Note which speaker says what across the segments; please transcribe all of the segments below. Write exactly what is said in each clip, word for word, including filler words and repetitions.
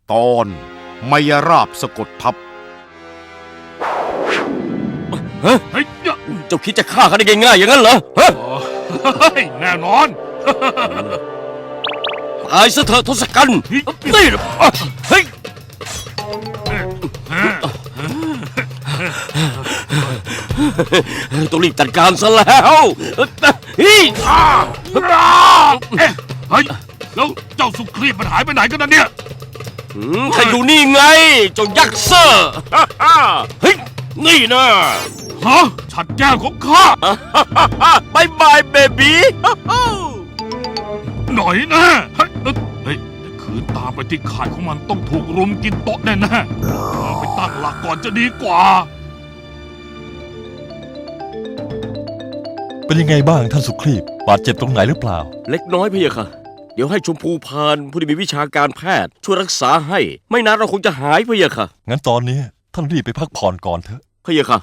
Speaker 1: ตอนมายราบสะกดทับ
Speaker 2: ฮะเฮ้ยเจ้าคิดจะฆ่าเขาได้ง่ายๆอย่างนั้นเหรอฮะ
Speaker 3: แน่นอน
Speaker 2: ตายซะเถอะทศกัณฐ์นี่เฮ้ยต้องรีบจัดการซะแล้ว
Speaker 3: เฮ้ยแล้วเจ้าสุครีพมันหายไปไหนกันนะเนี่ย
Speaker 2: ใครอยู่นี่ไงเจ้ายักษ์เซอร์เฮ้ยนี่นะ
Speaker 3: ฮะฉัดแก้วของข้า
Speaker 2: บายบายเบบี้
Speaker 3: หน่อยนะเฮ้ยเฮ้ยคืนตามไปที่ข่ายของมันต้องถูกรุมกินโต๊ะแน่ๆไปตั้งหลักก่อนจะดีกว่า
Speaker 4: เป็นยังไงบ้างท่านสุครีพบาดเจ็บตรงไหนหรือเปล่า
Speaker 2: เล็กน้อยพี่ค่ะเดี๋ยวให้ชมพูพานผู้ที่มีวิชาการแพทย์ช่วยรักษาให้ไม่นานเราคงจะหายพี่ค่ะ
Speaker 4: งั้นตอนนี้ท่านรีบไปพักผ่อนก่อนเถอะ
Speaker 2: พี่ค่ะ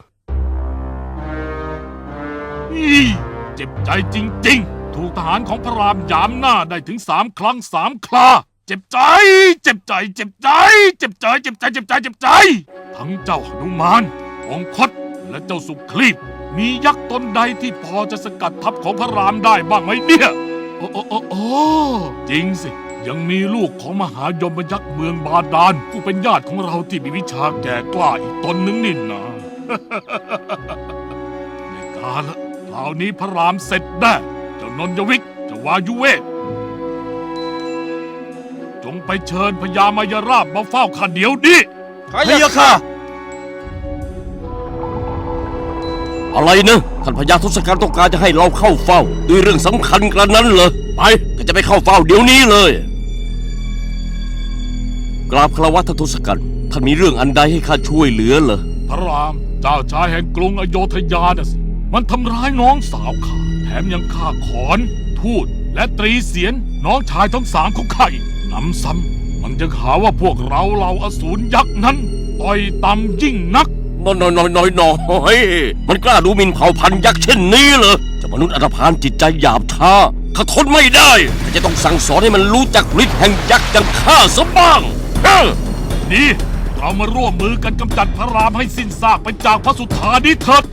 Speaker 3: เจ็บใจจริงๆถูกทหารของพระรามยามหน้าได้ถึงสามครั้งสามคราเจ็บใจเจ็บใจเจ็บใจเจ็บใจเจ็บใจเจ็บใจเจ็บใจทั้งเจ้าหนุมานองคตและเจ้าสุครีพมียักษ์ตนใดที่พอจะสกัดทัพของพระรามได้บ้างไหมเนี่ยโอ้โอ้โอ้โอ้จริงสิยังมีลูกของมหายมยักษ์เมืองบาดาลผู้เป็นญาติของเราที่มีวิชาแก่กล้าอีกตนนึงนี่นะในกาละคราวนี้พระรามเสร็จแน่เจ้านนยวิกเจ้าวายุเวกจงไปเชิญพญามายราบมาเฝ้าข้าเดี๋ยวนี้
Speaker 2: พะยะค่ะอะไรนะท่านพญาทศกัณฐ์ต้องการจะให้เราเข้าเฝ้าด้วยเรื่องสำคัญกระนั้นเหรอไปก็จะไปเข้าเฝ้าเดี๋ยวนี้เลยกราบคารวะท่านทศกัณฐ์ท่านมีเรื่องอันใดให้ข้าช่วยเหลือเหรอ
Speaker 3: พระรามเจ้าชายแห่งกรุงอโยธยาน่ะสิมันทำร้ายน้องสาวข้าแถมยังฆ่าขอนทูตและตรีเสียนน้องชายทั้งสามของข้าอีกนำซ้ำมันยังหาว่าพวกเราเหล่าอสูรยักษ์นั้นต่อยต่ำยิ่งนัก
Speaker 2: น้อยน้อยน้อยน้อยน้อยมันกล้าดูหมิ่นเผ่าพันธุ์ยักษ์เช่นนี้เหรอเจ้ามนุษย์อันธพาลจิตใจหยาบช้าข้าทนไม่ได้ข้าจะต้องสั่งสอนให้มันรู้จักฤทธิ์แห่งยักษ์อย่างข้าซะบ้าง
Speaker 3: นี่เรามาร่วมมือกันกำจัดพระรามให้สิ้นซากไปจากพระสุธานี้เถิด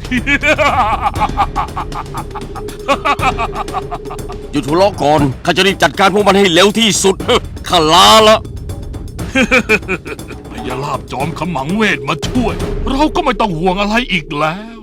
Speaker 2: หยุดหัวเราะก่อนข้าจะรีบจัดการพวกมันให้เร็วที่สุดข้าลาละ
Speaker 3: พญาลาภจอมขมังเวทมาช่วยเราก็ไม่ต้องห่วงอะไรอีกแล้ว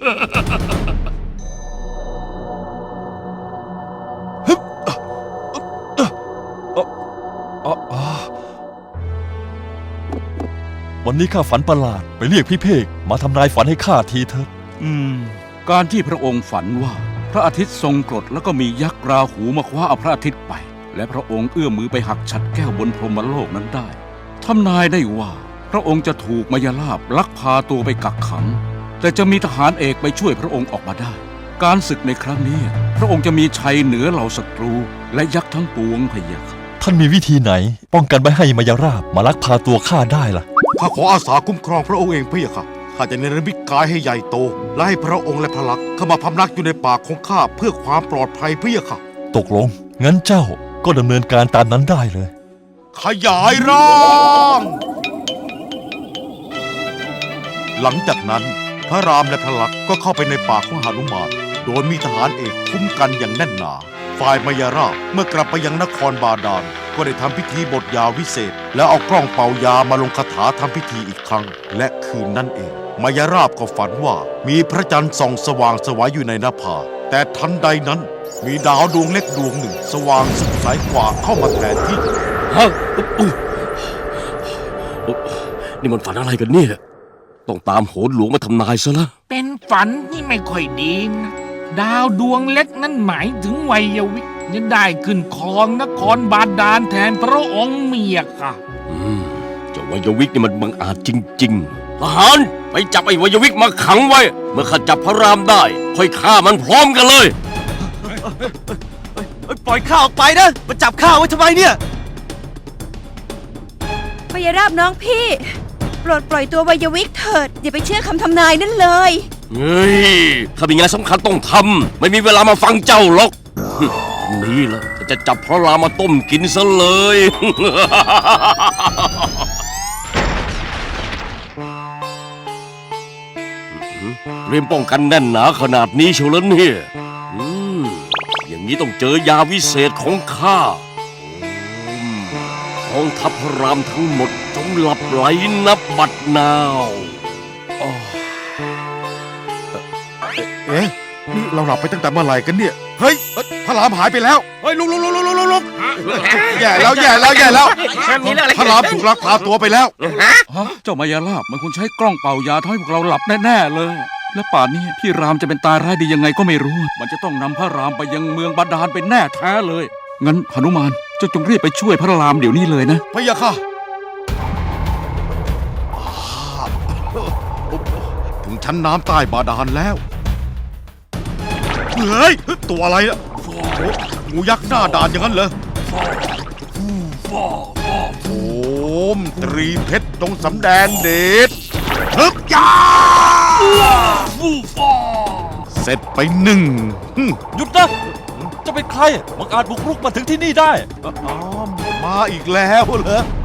Speaker 4: วันนี้ข้าฝันประหลาดไปเรียกพี่เพกมาทำนายฝันให้ข้าทีเถอะ
Speaker 5: อืมการที่พระองค์ฝันว่าพระอาทิตย์ทรงกรดแล้วก็มียักษ์ราหูมาคว้าเอาพระอาทิตย์ไปและพระองค์เอื้อมมือไปหักฉัตรแก้วบนพรหมโลกนั้นได้ทำนายได้ว่าพระองค์จะถูกมายาลาภลักพาตัวไปกักขังแต่จะมีทหารเอกไปช่วยพระองค์ออกมาได้การศึกในครั้งนี้พระองค์จะมีชัยเหนือเหล่าศัตรูและยักษ์ทั้งปวงพะยะค่ะ
Speaker 4: ท่านมีวิธีไหนป้องกันไม่ให้มายาลาภมาลักพาตัวข้าได้ล่ะ
Speaker 1: ข้าขออาสาคุ้มครองพระองค์เองพะยะค่ะข้าจะเนรมิตกายให้ใหญ่โตและให้พระองค์และพระลักษมณ์เข้ามาพำนักอยู่ในป่าของข้าเพื่อความปลอดภัยพะยะค่ะ
Speaker 4: ตกลงงั้นเจ้าก็ดำเนินการตามนั้นได้เลย
Speaker 1: ขยายร่างหลังจากนั้นพระรามและพระลักษมณ์ก็เข้าไปในป่าของหนุมานโดยมีทหารเอกคุ้มกันอย่างแน่นหนาฝ่ายมายาราภเมื่อกลับไปยังนครบาดาลก็ได้ทำพิธีบทยาวิเศษแล้วเอากล้องเป่ายามาลงคาถาทำพิธีอีกครั้งและคืนนั่นเองมายาราภก็ฝันว่ามีพระจันทร์ส่องสว่างสวยอยู่ในหน้าผาแต่ทันใดนั้นมีดาวดวงเล็กดวงหนึ่งสว่างสุดสายกว่าเข้ามาแทนที่
Speaker 2: ฮะนี่มันฝันอะไรกันเนี่ยต้องตามโหนหลวงมาทำนายซะละ
Speaker 6: เป็นฝันที่ไม่ค่อยดีนะดาวดวงเล็กนั้นหมายถึงวัยวิกจะได้ขึ้นครองนครบาดาลแทนพระองค์เมียค่ะ
Speaker 2: อืมเจ้าวัยวิกนี่มันบังอาจจริงๆทหารไปจับไอ้วัยวิกมาขังไว้เมื่อข้าจับพระรามได้ค่อยฆ่ามันพร้อมกันเลย
Speaker 7: ปล่อยข้าออกไปนะมาจับข้าไว้ทำไมเนี่ย
Speaker 8: มายาราบน้องพี่โปรดปล่อยตัววัยวิกเถิดอย่าไปเชื่อคำทำนายนั่นเลย
Speaker 2: เฮ้ยข้ามีงานสำคัญต้องทำไม่มีเวลามาฟังเจ้าหรอกนี่แหละจะจับพระรามมาต้มกินซะเลยเตรียมป้องกันแน่นหนาขนาดนี้เชียวแล้วเนี่ย อืม อย่างนี้ต้องเจอยาวิเศษของข้าอืมกองทัพพระรามทั้งหมดจงหลับไหลนับบัดนาว
Speaker 1: เอ๊ะนี่เราหลับไปตั้งแต่เมื่อไหร่กันเนี่ย เฮ้ยเอ้ยพระรามหายไปแล้ว เฮ้ยลุกลุกลุกลุกลุกลุกแย่แล้วแย่แล้วแย่แล้วพระรามถูกลักพาตัวไปแล้ว
Speaker 5: ฮะเจ้ามายาลาบมันคงใช้กล้องเป่ายาทำให้พวกเราหลับแน่ๆเลย และป่านนี้พี่รามจะเป็นตายร้ายดียังไงก็ไม่รู้ มันจะต้องนำพระรามไปยังเมืองบาดาลเป็นแน่แท้เลย งั้นหนุมานเจ้าจงรีบไปช่วยพระรามเดี๋ยวนี้เลยนะ
Speaker 1: พะยะค่ะถึงชั้นน้ำใต้บาดาลแล้ว เฮ้ย ตัวอะไรอะโอ้งูยักษ์หน้าด่านอย่างนั้นเหรอโอมตรีเพชรตรงสำแดงเดชฮึบยาเสร็จไปหนึ่งหึ
Speaker 4: หยุดนะจะเป็นใครมังอาจบุกรุกมาถึงที่นี่ได้
Speaker 1: อ๋อมาอีกแล้วเหรอ